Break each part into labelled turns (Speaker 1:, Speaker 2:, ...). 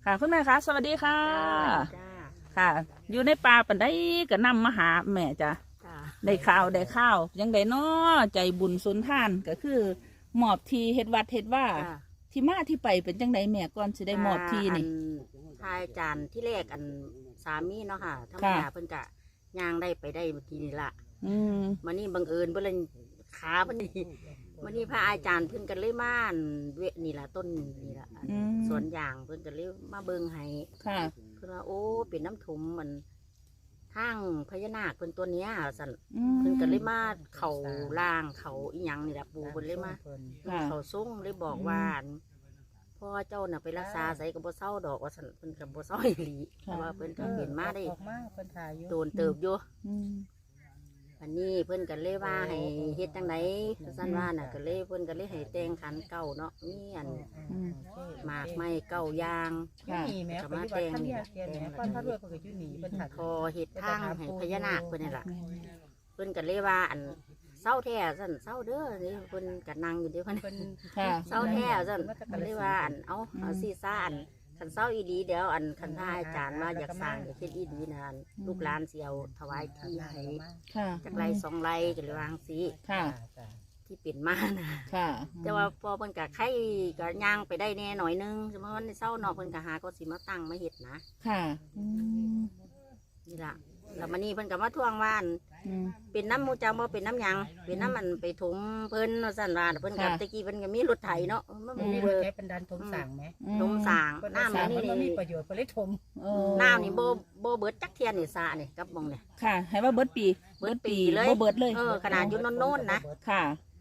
Speaker 1: ค่ะคุณแม่คะสวัสดีค่ะ
Speaker 2: จ้า
Speaker 1: ค่ะ อยู่ในป่าปันได้ก็นำมาหาแม่จ้ะ
Speaker 2: จ้า
Speaker 1: ได้ข้าวยังได้น้อใจบุญสุนทานก็คือมอบทีเฮ็ดวัดเฮ็ดว่า
Speaker 2: จ้า
Speaker 1: ที่มาที่ไปเป็นจังไดแม่ก่อนสิได้มอบทีนี่
Speaker 2: ทายจานที่แรกสามีเนาะค่ะธรรมดาเพิ่นกะย่างได้ไปได้เมื่อกี้นี่ละมานี่บังเอิญเพิ่นเลยขาเพิ่นนี่มานี่พระอาจารย์เพิ่นกันเลยมาเวนี่ละต้นนี่ละสวนยางเพิ่นกันเลยมาเบิ่งให้
Speaker 1: ค่ะ
Speaker 2: เพิ่นว่าโอ้เป็นน้ำถมมันทางพญานาคเพิ่นตัวเนี้ยสั่นเพิ่นกันเลยมาเขาล่างเขาอีหยังนี่ละปูเพิ่นเลยมาเขาส่งเลยบอกว่าพ่อเจ้าน่ะไปรักษาใส่กับบ่เศร้าดอกว่าสั่นเพิ่นกับบ่เศร้าอีหลีเพราะว่าเพิ่นก็เห็นมาได้โดนเติบอยู่อันนี้เพิ่นกันเลยว่าให้เฮ็ดจังไดสั่นว่าน่ะก็เลยเพิ่นก็เลยให้แต่งขันเก่าเนาะมีอันหมากไม้เก่ายางก็มาแต่งพอเฮ็ดทางให้พญานาคเพิ่นนี่ล่ะเพิ่นก็เลยว่าอันเศร้าแท้สั่นเศร้าเด้อนี่เพิ่นก็นั่งอยู่เด้อเพิ่นเศร้าแท้สั่นก็เลยว่าอันเอาซีซ่าอันขันเศร้าอีดีเดี๋ยวอันขันท่าอาจารย์ว่าอยากสร้างอยากเฮ็ดอีดีนะลูกหลานเสียวถวายที่ให้จากไร2 ไร่ก็เลยวางสิที่เป็นมานะแต่ว่าพอเพิ่นกะไข่ก็ย่างไปได้แน่หน่อยนึงสมมติว่าในเศร้านอกเพิ่นกะหาก็สิมาตั้งมาเฮ็ดนะนี่ล่ะแล้วมันนี่เพิ่นก็มาทวงว่าเป็นน้ำมูจังบ่เป็นน้ำยังเป็นน้ำมันไปถมเพิ่นว่าซั่นว่าเพิ่นก็ตะกี้เพิ่นก็มีรถไถเนาะ
Speaker 3: มันมีรถไถเป็นดันถมสร้างไหม
Speaker 2: ถมสร้างน้ำมัน
Speaker 3: นี่มีประโยชน์เพิ่นเลยถม
Speaker 2: น้ำนี่บ่เบิดจักเทียนนี่สระนี่กับมองนี่
Speaker 1: ค่ะให้ว่าเบิดปี
Speaker 2: เลย
Speaker 1: บ่เบิดเลย
Speaker 2: ขนาดอยู่โน่นๆนะ
Speaker 1: ค่ะ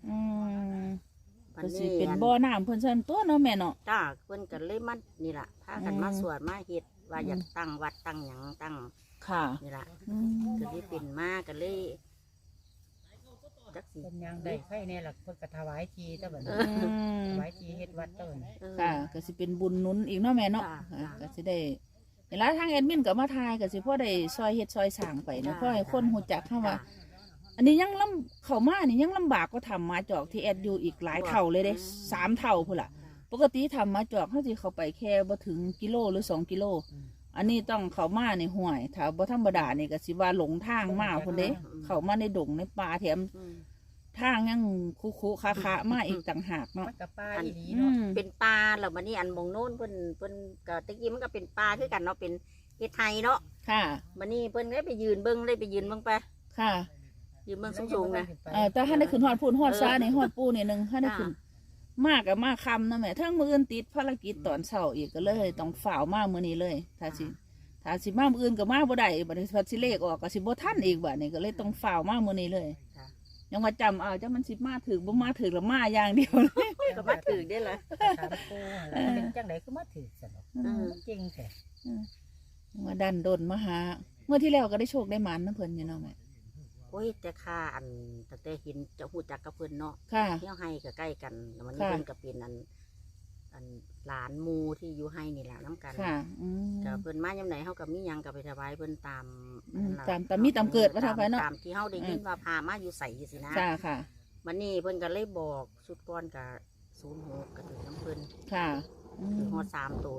Speaker 1: ก็สิเป็นบ่อน้ำเพิ่นซั่นตัวเนาะแม่เนาะ
Speaker 2: จ้าเพิ่นก็เลยมันนี่ล่ะพากันมาสวดมาเฮ็ดว่าอยากตั้งวัดตั้งหยังตั้ง
Speaker 1: ค่ะ
Speaker 2: นี่ล่ะก็เลยเป็นมาก็เลย
Speaker 3: จักสิเป็นยังได้ไข่แน่ล่ะเพิ่นก็ถวายทีซะบัดนี้ถวายทีเฮ็ดวัดซะบัดนี้
Speaker 1: ค่ะก็สิเป็นบุญหนุนอีกเนาะแม่เนาะก็สิได้เวลาทางแอดมินก็มาทายก็สิพอได้ซอยเฮ็ดซอยสร้างไปนะเพราะให้คนฮู้จักเฮาว่าอันนี้ยังเข้ามานี่ยังลำบากก็ทำมาจอกที่แอดอยู่อีกหลายเท่าเลยเด้3 เท่าพุ่นล่ะปกติทำมาจอกเขาสิเข้าไปแค่บ่ถึงกิโลหรือ2 กิโลอันนี้ต้องเข้ามาในห้วยถ้าบ่ธรรมดานี่ก็สิว่าหลงทางมาพุ่นเด้เข้ามาในดงในป่าแถมทางยังคุคะมาอีกต่างหากเนาะ
Speaker 3: กับป่าอีหลีเนาะ
Speaker 2: เป็นป่าแล้วมันนี่อันมองโน้นเพิ่นก็ตะกี้มันก็เป็นป่าคือกันเนาะเป็นเฮ็ดไทยเนาะ
Speaker 1: ค่ะ
Speaker 2: มันนี่เพิ่นได้ไปยืนเบิ่งไป
Speaker 1: ค่ะ
Speaker 2: ยืนเบิ่งสูงๆนะ
Speaker 1: แต่ถ้าได้ขึ้นฮอดพูนฮอดซ่าในฮอดปูนี่นึงถ้าได้ขึ้นมากกับมากคำนะแม่ทั้งมื้ออื่นติดภารกิจตอนเช้าอีกก็เลยต้องฝ่าวมามื้อนี้เลยถ้าสิมามื้ออื่นก็มาบ่ได้บัดนี้พัดสิเลขออกก็สิบ่ทันอีกบัดนี้ก็เลยต้องฝ่าวมามื้อนี้เลยยังว่าจำเอาจังมันสิมาถึกบ่มาถึกแล้วมาอย่างเดียวเลย
Speaker 2: ก็มาถึกได้ล่ะ
Speaker 3: ถามปู่เป็นจังได๋คือมาถึกซั่นเนาะจริงแท้
Speaker 1: มาดันดนมาหาเมื่อที่แล้วก็ได้โชคได้หมานนำเพิ่นอยู่เนาะแม่
Speaker 2: โอ้ยแต่ข้าตั้งแต่เห็นจะฮู้จักกับเพิ่นเนาะเที่ยวให้ก็ใกล้กันมันนี่เพิ่นก็เป็นหลานหมู่ที่อยู่ให้นี่แหละน้ำกันก็เพิ่นมายามไหนเฮาก็มีหยังก็ไปถวายเพิ่นตาม
Speaker 1: มีตามเกิดว่าเท่าไปเนาะ
Speaker 2: ตามที่เฮาได้ยินว่าพามาอยู่ใส่สินะ
Speaker 1: ค่ะ
Speaker 2: มันนี่เพิ่นก็เลยบอกสุดก่อนก็06ก็ถึงน้ำเพิ่น
Speaker 1: ค่ะ
Speaker 2: ฮอด3โต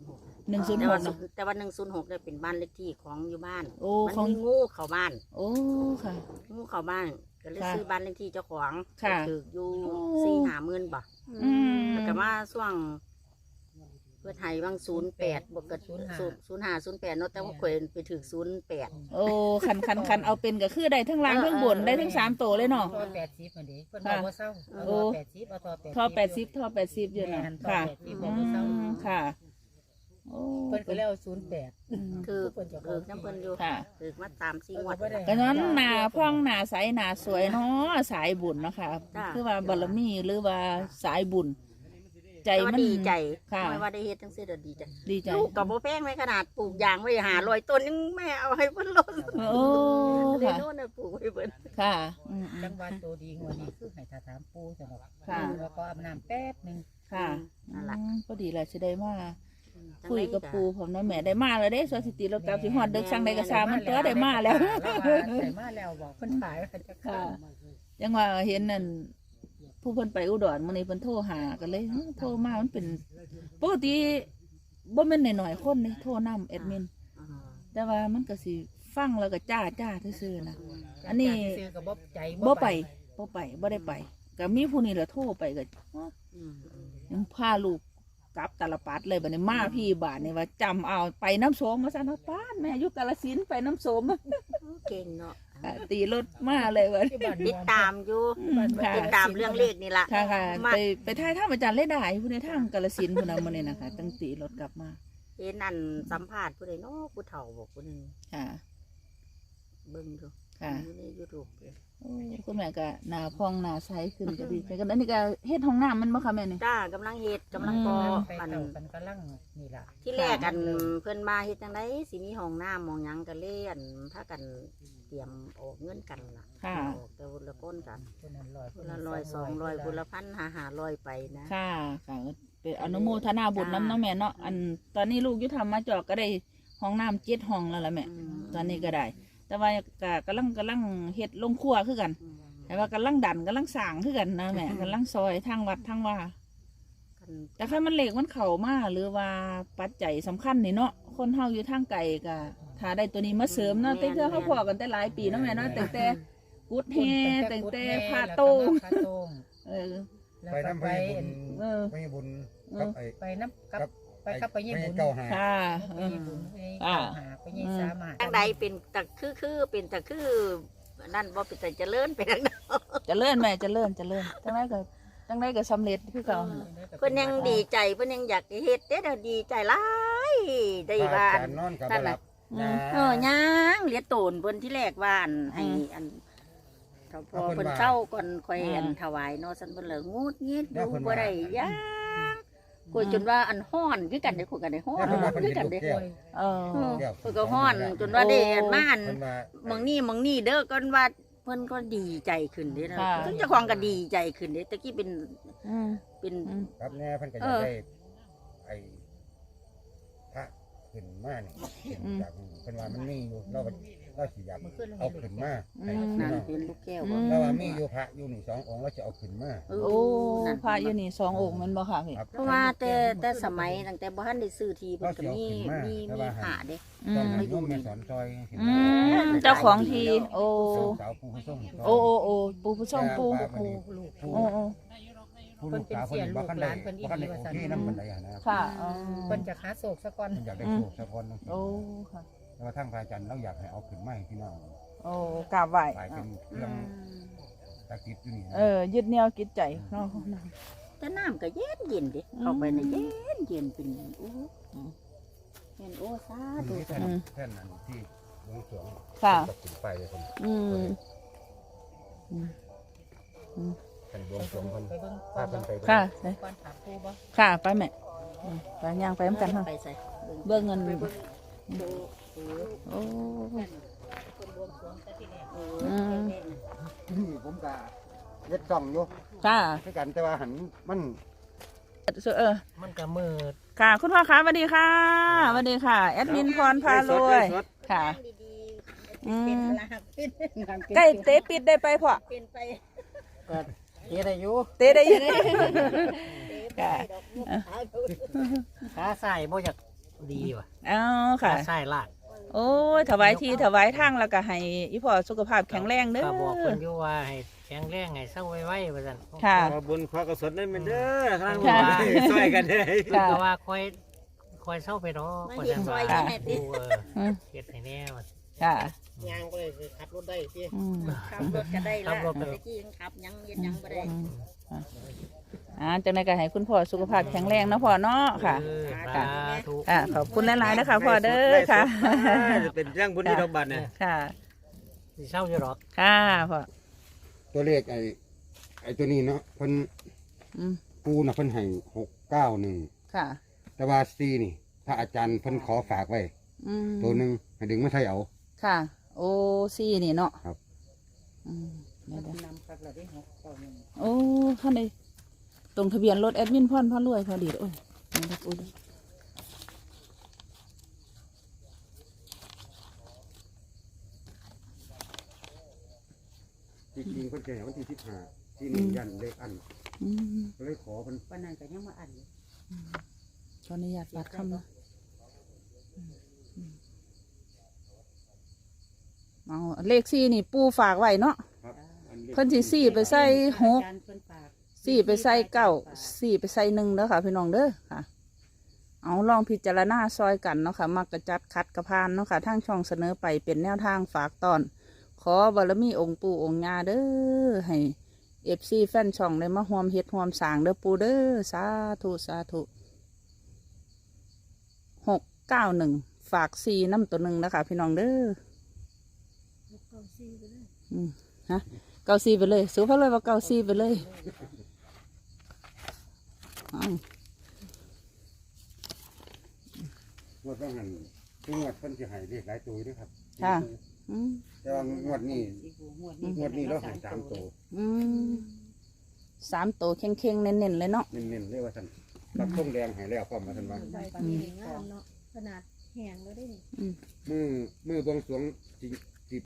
Speaker 1: 106
Speaker 2: แต่ว่า106ได้เป็นบ้านเลขที่ของอยู่บ้าน
Speaker 1: มัน
Speaker 2: มีงูเข้าบ้าน
Speaker 1: ค่ะ
Speaker 2: งูเข้าบ้านก็เลยซื้อบ้านเลขที่เจ้าของถูกอยู่4-5 หมื่นบ่แล้วก็มาช่วงเพื่อไทยบาง08บวกกับ0508เนาะแต่ว่าข่อยไปถึง08
Speaker 1: คันเอาเป็นก็คือได้ทั้งล่างทั้งบนได้ทั้ง3โตเลยเนาะ
Speaker 3: ท่อ80มันดิเพิ่นบอกว่าเศร้า80เอา
Speaker 1: ท่อ80อยู่นะค่ะค่ะ
Speaker 3: เพิ่นก็แล้ว
Speaker 2: 08คือเพิ่นจะน้ำเพิ่นอยู่คือมาตาม4 งวด
Speaker 1: ก็นั้นหน้าพ่องหน้าใสหน้าสวยเนาะสายบุญเนาะค่ะคือว่าบารมีหรือว่าสายบุญใจมัน
Speaker 2: ดีใจไม่ว่าได้เฮ็ดทั้งสิ้นดีใจลูกกับโบแป้งไม่ขนาดปลูกยางไว้500 ต้นยังแม่เอาให้เพิ่นลดเลยโน่นน่ะปลูกไว้เพิ่น
Speaker 1: ค่ะ
Speaker 3: จังหวัดตัวดีงวดนี้คือให้ถามปู่จังว่าแล้วก็อาบน้ำแป๊บนึง
Speaker 1: ค่ะนั่นล่ะพอดีแหละสิได้มาคุยกับปู่ผมนะแม่ได้มาแล้วเด้สถิติเรากลับสิฮอดดึกสั่งได้กระซามันตัวได้มาแล้ว
Speaker 3: ได้มาแล้วบอกเพิ่นขายจะ
Speaker 1: ค่ะจังว่าเห็นนั่นผู้เพิ่นไปอุดรมื้อนี้เพิ่นโทรหากันเลยโทรมามันเป็นปกติบ่แม่นน้อยๆคนนี่โทรนำแอดมิน
Speaker 2: อ่า
Speaker 1: แต่ว่ามันก็สิฟังแล้วก็จ้าซื่อๆนะ อันนี้
Speaker 3: ซื้อก็บ่ใจ
Speaker 1: บ่ไปบ่ได้ไปก็มีผู้นี้แหละโทรไปก็
Speaker 2: อืม
Speaker 1: ยังพาลูกกลับตาลปัดเลยบัดนี้มาพี่บาทนี่ว่าจำเอาไปน้ำโสมมาซั่นว่าป้านแม่อยู่กาฬสินธุ์ไปน้ำโสม
Speaker 2: เก่งเนาะ
Speaker 1: ตีรถมาเลยว่า
Speaker 3: ที่บ้าน
Speaker 2: ติดตามอยู่
Speaker 1: ค่ะ
Speaker 2: ติดตามเรื่องเลขนี่ล่ะ
Speaker 1: ค่ะค่ะ
Speaker 2: มา
Speaker 1: ไปถ่ายทำอาจารย์เล่ได้ผู้ในทางกาฬสินธุ์พุ่นน่ะมื้อนี้นะคะตั้งตีรถกลับมา
Speaker 2: เห็นอันสัมภาษณ์ผู้ใดเนาะผู้เฒ่าบอกผู้หนึง
Speaker 1: ค่ะ
Speaker 2: เบิ่งดู
Speaker 1: ค่ะ
Speaker 2: อยู่ใน YouTube เลย
Speaker 1: โอ้คุณแม่ก็หน้าพองหน้าใสขึ้นก็ดีใจกันอันนี้ก็เฮ็ดห้องน้ำมันบ่คะแม่นี่
Speaker 2: จ้ากำลังเฮ็ดกำลังก่อ
Speaker 3: ไป
Speaker 2: อัน
Speaker 3: เต่ากันกำลังนี่ล่ะ
Speaker 2: ที่แรกกันเพิ่นมาเฮ็ดจังไดสิมีห้องน้ำหมองหยังก็เลยอันพากันเตรียมออกเงินกันล่ะ
Speaker 1: ค่ะ
Speaker 2: ออกแต่ละคนกัน
Speaker 3: คนนั้น100
Speaker 2: คนละ100 200คนละ1,000 500ไปนะ
Speaker 1: ค่ะค่ะเป็นอนุโมทนาบุญน้ำเน้องแม่เนาะอันตอนนี้ลูกอยุทธรรมมาจอกก็ได้ห้องน้ำ7ห้องแล้วล่ะแม่
Speaker 2: อืม
Speaker 1: ตอนนี้ก็ได้ แต่ว่าก็กำลังเฮ็ดลงครัวคือกัน
Speaker 2: อืม
Speaker 1: แต่ว่ากำลังดันกำลังสร้างคือกันนะแม่กำลังซอยทางวัดทางว่า
Speaker 2: กัน
Speaker 1: แต่ถ้ามันเหล็กมันเข่ามาหรือว่าปัจจัยสำคัญนี่เนาะคนเฮาอยู่ทางไกลก็ถ้าได้ตัวนี้มาเสริมเนาะแต่เธอเขาพอกันแต่หลายปีเนาะแม่เนาะแต่กุดแฮแต่พาโตง
Speaker 3: พาโตง
Speaker 1: เออ
Speaker 3: แล้ว
Speaker 4: ไป
Speaker 3: ก็
Speaker 4: น้ำ
Speaker 3: ไป
Speaker 4: พญบุญ
Speaker 1: เออ
Speaker 4: พญบุญกับไอ้
Speaker 3: ไปน้ำกับ
Speaker 4: กับ
Speaker 3: ไปกับไปญี่ปุ่น
Speaker 4: เก้าหา
Speaker 1: ค่ะ
Speaker 3: ไป
Speaker 1: เออ
Speaker 3: ญี่ปุ่นไป
Speaker 1: อ่า
Speaker 3: หาไปยี่สามหา
Speaker 2: จังใดเป็นตะคือเป็นตะคือนั่นบ่เป็นแต่เจริญไปทางนั้น
Speaker 1: เจะเลื่อนแม่เจะเลื่อนจังไดก็สำเร็จคือเก่าหั่นล่ะ
Speaker 2: เพิ่นยังดีใจเพิ่นยังอยากเฮ็ดเด้อดีใจหลายได้
Speaker 4: พระ
Speaker 2: ว่า
Speaker 4: อาจารย์นอนกับบ่หลับ
Speaker 1: อืม
Speaker 2: ยังเหลียโตนเพิ่นที่แรกว่าอันให้อันเท่าพอเพิ่นเศร้าก่อนค่อยอันถวายเนาะซั่นเพิ่นเลยงูดงิดดูบ่ได้ยังคุยจนว่าอันฮ้อนคือกันได้คุยกันได้ฮ้อน
Speaker 4: แล้วเพิ่นว่าเพิ่น
Speaker 2: คือ
Speaker 4: เห็น
Speaker 2: กัน
Speaker 4: ลูก
Speaker 2: ได้
Speaker 4: แก้ว
Speaker 1: เออ
Speaker 4: แก้ว
Speaker 2: เพิ่นก็ฮ้อนจนว่าได้อันมาอัน
Speaker 4: เพิ่นว่า
Speaker 2: หมองนี่เด้อก่อนว่าเพิ่นก็ดีใจขึ้นเด้นะ
Speaker 1: ค่ะ
Speaker 2: ซึ่งเจ้าของก็ดีใจขึ้นเด้ตะกี้เป็น
Speaker 1: อืม
Speaker 2: เป็น
Speaker 1: อืม
Speaker 4: ครับแน่เพิ่นก็อยากได้ไอ้พระขึ้นมานี่จากเพิ่นว่ามันมีอยู่เราสิอยากเอาขึ้นมาให้พี่
Speaker 2: นั่น
Speaker 4: น้อง
Speaker 2: เป็นลูกแก้ว
Speaker 1: อื
Speaker 2: บ่
Speaker 1: ม
Speaker 4: แล้วว่ามีอยู่พระอยู่นี่2องค์เราจะเอาขึ้นมา
Speaker 1: โอ้พระอยู่นี่2องค์แมันบ่ค่ะพี่
Speaker 4: ครับ
Speaker 2: เพราะว่าแต่สมัยตั้งแต่บ่ทันได้ซื้อทีเพิ่นก็มีหาเด้
Speaker 1: อื
Speaker 4: ต้อง
Speaker 1: ม
Speaker 4: ให้โยมแม่สอนซอยเห็น
Speaker 1: อื
Speaker 4: ไหม
Speaker 1: มเจ้าของทีโอ้
Speaker 4: สาวผู้ส่ง
Speaker 1: โอ้ปูผู้ช่องปู
Speaker 3: ลูกลูก
Speaker 1: โอ้โอ้
Speaker 4: ผู้ลูกสาวคนนี้บ่คันได้บ่คันได้โอเคน้ำมันได้นะ
Speaker 1: ค่ะอ๋อ
Speaker 3: เพิ่นจะหาโศกซะก่อน
Speaker 4: อยากได้โชคสักคนนึง
Speaker 1: โอ้ค่ะ
Speaker 4: แล้วทางพระอาจารย์เราอยากให้เอาขึ้นมาให้พี่น้อง
Speaker 1: โอ้กราบไหว้
Speaker 4: กลายเป็นเครื่องศักดิ์สิทธิ์อยู่นี่นะ
Speaker 1: ยึดเหนี่ยวจิตใจเนาะ
Speaker 2: แต่น้ำก็เย็นเด้เข้าไปในเย็นเป็นโอ้เห็นโอ้สาธุ
Speaker 4: มีแท่นนั้นที่วงสรวง
Speaker 1: ค่ะ
Speaker 4: ตกถึงไปเลยคน
Speaker 1: อืมอืม
Speaker 4: แท่นวงสรวงคน
Speaker 3: ไปเบิ่ง
Speaker 4: พาเพิ่นไป
Speaker 1: ค่ะ
Speaker 3: ก่อนถามครูบ่
Speaker 1: ค่ะไปแม่ไปย่างไปน้ำกันเนาะ
Speaker 2: ไปใส่
Speaker 1: เบิ่งเงิน
Speaker 2: ดู
Speaker 1: โอ้
Speaker 2: คนบวงสรวงแต่ที่แรก
Speaker 4: นี่ผมก็เล็ดจ่องอยู่
Speaker 1: ค่ะ
Speaker 4: คือกันแต่ว่าหันมัน
Speaker 3: มันก็มืด
Speaker 1: ค่ะ คุณพ่อคะสวัสดีค่ะสวัสดีค่ะแอดมินพรพารวยค่ะ
Speaker 2: ดีๆ
Speaker 1: อืม
Speaker 2: เป็นลาเป็น
Speaker 1: ใกล้เตะปิดได้ไปพ่อ
Speaker 2: เป็นไป
Speaker 3: ก็เฮ็ดได้อยู่
Speaker 1: เตะได้ยังค่ะ
Speaker 3: ขาใส่บ่อยากดีว่ะ
Speaker 1: เอาค่ะ
Speaker 3: ขาใส่ลาก
Speaker 1: โอ้ยถวายทีถวายทางแล้วก็ให้อีพ่อสุขภาพแข็งแรงเด้อ
Speaker 3: ก็บอกเพิ่นอยู่ว่าให้แข็งแรงให้เศร้าไว้ๆว่าซั่น
Speaker 1: ค่ะ
Speaker 5: ขอบุญขอกระสนได้เป็นเด้อข้าง
Speaker 1: ค่ะ
Speaker 5: ช่วยกันเด้อ
Speaker 3: เพิ่นก็ว่าคอยเศร้าไปเนาะ
Speaker 2: มา
Speaker 3: ว่า
Speaker 2: เห็น
Speaker 3: ซั่น
Speaker 2: ซอ
Speaker 3: ว่าย
Speaker 2: ยังไงติ
Speaker 1: อืม
Speaker 3: เฮ็ดให้แน่ว่า
Speaker 1: ค่ะ
Speaker 3: ยางก็เลยขับรถได้สิ
Speaker 1: อืม
Speaker 2: ขับรถก็ได้
Speaker 3: ขั
Speaker 2: ละ
Speaker 3: บรถก็
Speaker 2: ตะกี้ยังขับยังเย็นยังบ่ได้
Speaker 1: จังไดก็ให้คุณพ่อสุขภาพแข็งแรงเนาะพ่อเนาะค่ะ
Speaker 3: สาธุ
Speaker 1: ขอบคุณหลายๆนะคะพ่อเด้อค่ะ
Speaker 5: จะเป็นเรื่องบุญที่ดอกบัตรเนี่ย
Speaker 1: ค่ะ
Speaker 3: สิเศร้าอยู่หรอก
Speaker 1: ค่ะพ่อ
Speaker 4: ตัวเลขไอ้ตัวนี้เนาะเพิ่น
Speaker 1: อืม
Speaker 4: ปูน่ะเพิ่นให้691
Speaker 1: ค่ะ
Speaker 4: แต่ว่า4นี่พระอาจารย์เพิ่นขอฝากไว้
Speaker 1: อืม
Speaker 4: ตัวหนึงให้ดึงมาใช้เอา
Speaker 1: ค่ะ โอ้ซี่นี่เนาะ
Speaker 4: ครับ
Speaker 1: อืมเดี๋ยว
Speaker 3: นำครับเราได้691
Speaker 1: ๆโอ้ท่านใดตรงทะเบียนรถแอดมินพ่อนพ่อรวยพอดีโอ้ยนี่นะโอ้ย
Speaker 4: จริงๆเพิ่นแก่วันที่15ที่นี่ยันเลขอัน
Speaker 1: อืม
Speaker 4: ก็เลยขอเพิ่น
Speaker 2: วันนั้นก็ยังมาอ่านอยู่
Speaker 1: ขออนุญาตปัดคำเนาะเอาเลข4นี่ปูฝากไว้เนาะ
Speaker 4: ครับอัน
Speaker 1: เพิ่นสิ4ไปใส่6
Speaker 3: อาจารย์เพิ่นฝาก
Speaker 1: 4ไปใส่9 4ไปใส่1เด้อค่ะพี่น้องเด้อค่ะ เอาลองพิจารณาซอยกันเนาะค่ะมักกระจัดคัดกระพานเนาะค่ะทางช่องเสนอไปเป็นแนวทางฝากตอน ขอบารมีองค์ปู่องค์ย่าเด้อให้FC แฟนช่องได้มาร่วมเฮ็ดร่วมสร้างเด้อปู่เด้อสาธุสาธุ691ฝาก4น้ำตัวหนึ่งนะคะพี่น้องเด้อฮะ94ไปเลยสู้เขาเลยว่า94ไปเลยอ้าว
Speaker 4: งวดต้องหันคืองวดเพิ่นสิให้เลขหลายตัวอยู่เด้วยครับ
Speaker 1: ค่ะอืม
Speaker 4: แต่ว่างวดนี้งวดนี้เราให้3ตัว
Speaker 1: อืม3ตัวเข่งๆเน้นๆเลยเนาะ
Speaker 4: เน้นๆเลยว่าท่านรับทงแดงให้แล้วพร้อมมาท่านว่า
Speaker 6: ใบปานนี้งามเนาะขนาดแห้งแล้วได้นี่
Speaker 4: มือบวงสรวงสิ